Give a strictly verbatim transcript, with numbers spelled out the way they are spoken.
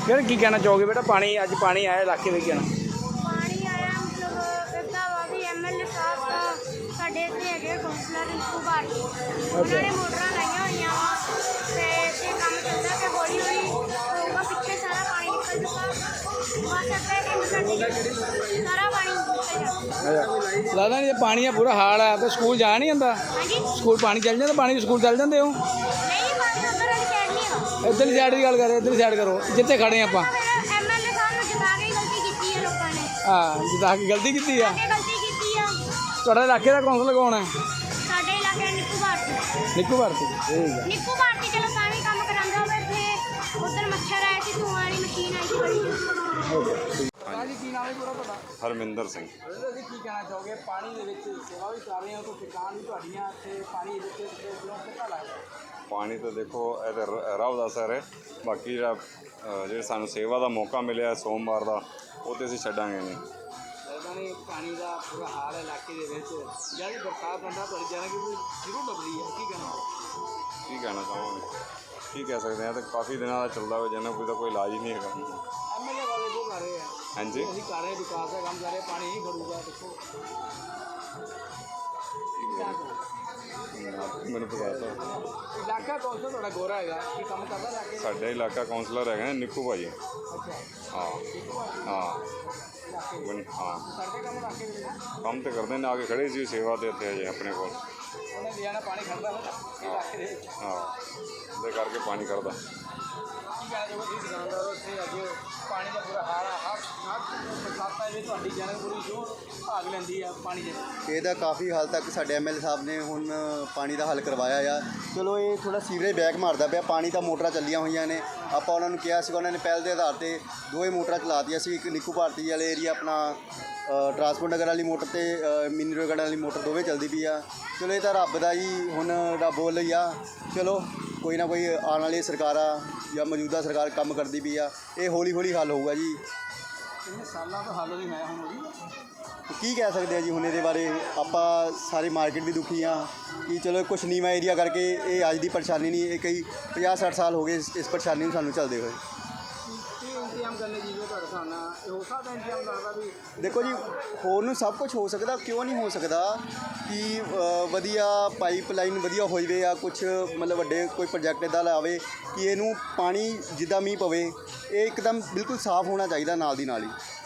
यार की कहना चाहोगे बेटा, पानी अज पानी आया इलाके में, कहना पानी आया मतलब इदा वा भी एम एल ए साहब का साढ़े इतने है कौंसलर रिंकू भाटी उन्होंने मोटर लाइया हुई तो काम चलता कि हौली हौली होगा, पिछले सारा पानी निकल चुका, बस सारा पानी लगता नहीं पानी का पूरा हाल है तो स्कूल जा नहीं आता। स्कूल पानी चल जाता, पानी स्कूल चल जाते हो। इधर साइड की गल कर, इधर साइड करो जिते खड़े आप। हाँ जिता के गलती की है। थोड़ा इलाके का कौंसलर कौन है? निक्कू भारती। निक्कू भारती चलो तावी काम करांदा होवे, थे उधर मच्छर आए थे, धुआं वाली मशीन आई थी बड़ी। जी की नाम है पूरा पता? हरमिंदर सिंह। जी की कहना चाहोगे, पानी दे विच सेवा भी कर रहे हो तो किसान भी तुहाडियां ते पानी दे विच किलों कितना लगदा? पानी तो देखो ਇਹ ਤਾਂ ਰੱਬ ਦਾ ਅਸਰ ਹੈ, ਬਾਕੀ ਜਿਹੜਾ ਜਿਹੜੇ ਸਾਨੂੰ ਸੇਵਾ ਦਾ ਮੌਕਾ ਮਿਲਿਆ ਸੋਮਵਾਰ ਦਾ ਉਹ ਤੇ ਅਸੀਂ ਛੱਡਾਂਗੇ ਨਹੀਂ। लगता नहीं पानी का पूरा हाल है इलाके दे विच, जब भी बरसात आंदा तुहाडी जाना कि जरूर डुबदी है, की कहना? ਕੀ ਕਹਿਣਾ ਚਾਹਾਂਗੇ, ਕੀ ਕਹਿ ਸਕਦੇ ਹਾਂ, ਤਾਂ ਕਾਫੀ ਦਿਨਾਂ ਦਾ ਚੱਲਦਾ ਹੋਇਆ ਜਿਹਨਾਂ ਕੋਈ ਤਾਂ ਕੋਈ ਇਲਾਜ ਹੀ ਨਹੀਂ ਹੈਗਾ। एमएलए वाले वो कर रहे हैं। हाँ जी ਅਸੀਂ ਕਰ ਰਹੇ ਵਿਕਾਸ ਦਾ ਕੰਮ ਕਰ ਰਹੇ, ਪਾਣੀ ਨਹੀਂ ਖੜੂਗਾ ਦੇਖੋ। ਮੈਨੂੰ ਪਤਾ ਤਾਂ ਇਲਾਕਾ ਕੌਂਸਲ ਤੁਹਾਡਾ ਗੋਰਾ ਹੈਗਾ, ਕੀ ਕੰਮ ਕਰਦਾ ਇਲਾਕੇ? ਸਾਡਾ ਇਲਾਕਾ ਕਾਉਂਸਲਰ ਹੈਗਾ ਨਿੱਕੂ ਭਾਜੀ। ਅੱਛਾ ਹਾਂ ਹਾਂ ਬਣ- ਹਾਂ ਸਾਡੇ ਕੰਮ ਇਲਾਕੇ ਦੇ ਵਿੱਚ ਕੰਮ ਤੇ ਕਰਦੇ ਨੇ, ਆ ਕੇ ਖੜੇ ਸੀ ਸੇਵਾ ਤੇ ਇੱਥੇ ਅਜੇ ਆਪਣੇ ਕੋਲ। ਉਹਨੇ ਲਿਆਣਾ ਪਾਣੀ ਖੜਦਾ ਹੁੰਦਾ ਇਲਾਕੇ ਦੇ ਵਿੱਚ। ਹਾਂ ਦੇ ਕਰਕੇ ਪਾਣੀ ਕਰਦਾ। ਕੀ ਕਹਿਣਾ ਚਾਹੋਗੇ ਤੁਸੀਂ ਦੁਕਾਨਦਾਰ ਹੋ ਇੱਥੇ ਅੱਜ ਪਾਣੀ ਦਾ ਬੁਰਾ ਹਾਲ ਆ, ਹਰ ਹਰ ਬਰਸਾਤਾਂ ਵਿੱਚ ਤੁਹਾਡੀ ਜਨਕਪੁਰੀ ਜੋ ਭਾਗ ਲੈਂਦੀ ਆ ਪਾਣੀ ਦੇ? ਇਹਦਾ ਕਾਫੀ ਹਾਲ ਤੱਕ ਸਾਡੇ ਐਮ ਐਲ ਏ ਸਾਹਿਬ ਨੇ ਹੁਣ ਪਾਣੀ ਦਾ ਹੱਲ ਕਰਵਾਇਆ ਆ। ਚਲੋ ਇਹ ਥੋੜਾ ਸੀਵਰੇਜ ਬੈਕ ਮਾਰਦਾ ਪਿਆ, ਪਾਣੀ ਤਾਂ ਮੋਟਰਾਂ ਚੱਲੀਆਂ ਹੋਈਆਂ ਨੇ, ਆਪਾਂ ਉਹਨਾਂ ਨੂੰ ਕਿਹਾ ਸੀਗਾ, ਉਹਨਾਂ ਨੇ ਪਹਿਲ ਦੇ ਆਧਾਰ ਤੇ ਦੋਵੇਂ ਮੋਟਰਾਂ ਚਲਾਤੀਆਂ ਸੀ। ਇੱਕ ਨਿੱਕੂ ਭਾਰਤੀ ਵਾਲੇ ਏਰੀਆ ਆਪਣਾ ਟਰਾਂਸਪੋਰਟ ਨਗਰ ਵਾਲੀ ਮੋਟਰ ਅਤੇ ਮਿੰਨੀ ਰੋਗੜ ਵਾਲੀ ਮੋਟਰ ਦੋਵੇਂ ਚੱਲਦੀ ਪਈ ਆ। ਚਲੋ ਇਹ ਤਾਂ ਰੱਬ ਦਾ ਜੀ ਹੁਣ ਰੱਬ ਬੋਲ ਹੀ ਆ। ਚਲੋ ਕੋਈ ਨਾ ਕੋਈ ਆਉਣ ਵਾਲੀ ਸਰਕਾਰਾਂ ਜਾਂ ਮੌਜੂਦਾ ਸਰਕਾਰ ਕੰਮ ਕਰਦੀ ਪਈ ਆ, ਇਹ ਹੌਲੀ ਹੌਲੀ ਹੱਲ ਹੋਊਗਾ ਜੀ। ਕਿੰਨੇ ਸਾਲਾਂ ਤੋਂ ਹੱਲ ਨਹੀਂ ਹੋਇਆ ਹੁਣ ਉਹਦੀ? ਕੀ ਕਹਿ ਸਕਦੇ ਆ ਜੀ ਹੁਣ ਇਹਦੇ ਬਾਰੇ, ਆਪਾਂ ਸਾਰੀ ਮਾਰਕੀਟ ਵੀ ਦੁਖੀ ਆ ਕਿ ਚਲੋ ਕੁਛ ਨੀਵਾਂ ਏਰੀਆ ਕਰਕੇ ਇਹ ਅੱਜ ਦੀ ਪਰੇਸ਼ਾਨੀ ਨਹੀਂ, ਇਹ ਕਈ ਪੰਜਾਹ ਸੱਠ ਸਾਲ ਹੋ ਗਏ ਇਸ ਇਸ ਪਰੇਸ਼ਾਨੀ ਨੂੰ ਸਾਨੂੰ ਚੱਲਦੇ ਹੋਏ। ਕੀ ਇੰਤਜ਼ਾਮ ਕਰਨੇ ਜੀ ਤੁਹਾਡੇ ਹਿਸਾਬ ਨਾਲ ਇਹ ਹੋ ਸਕਦਾ ਇੰਤਜ਼ਾਮ ਕਰਦਾ ਵੀ? ਦੇਖੋ ਜੀ ਹੋਰ ਨੂੰ ਸਭ ਕੁਝ ਹੋ ਸਕਦਾ, ਕਿਉਂ ਨਹੀਂ ਹੋ ਸਕਦਾ ਕਿ ਵਧੀਆ ਪਾਈਪਲਾਈਨ ਵਧੀਆ ਹੋ ਜਾਵੇ ਜਾਂ ਕੁਛ ਮਤਲਬ ਵੱਡੇ ਕੋਈ ਪ੍ਰੋਜੈਕਟ ਇੱਦਾਂ ਲਾਵੇ ਕਿ ਇਹਨੂੰ ਪਾਣੀ ਜਿੱਦਾਂ ਮੀਂਹ ਪਵੇ ਇਹ ਇੱਕਦਮ ਬਿਲਕੁਲ ਸਾਫ਼ ਹੋਣਾ ਚਾਹੀਦਾ ਨਾਲ ਦੀ ਨਾਲ ਹੀ।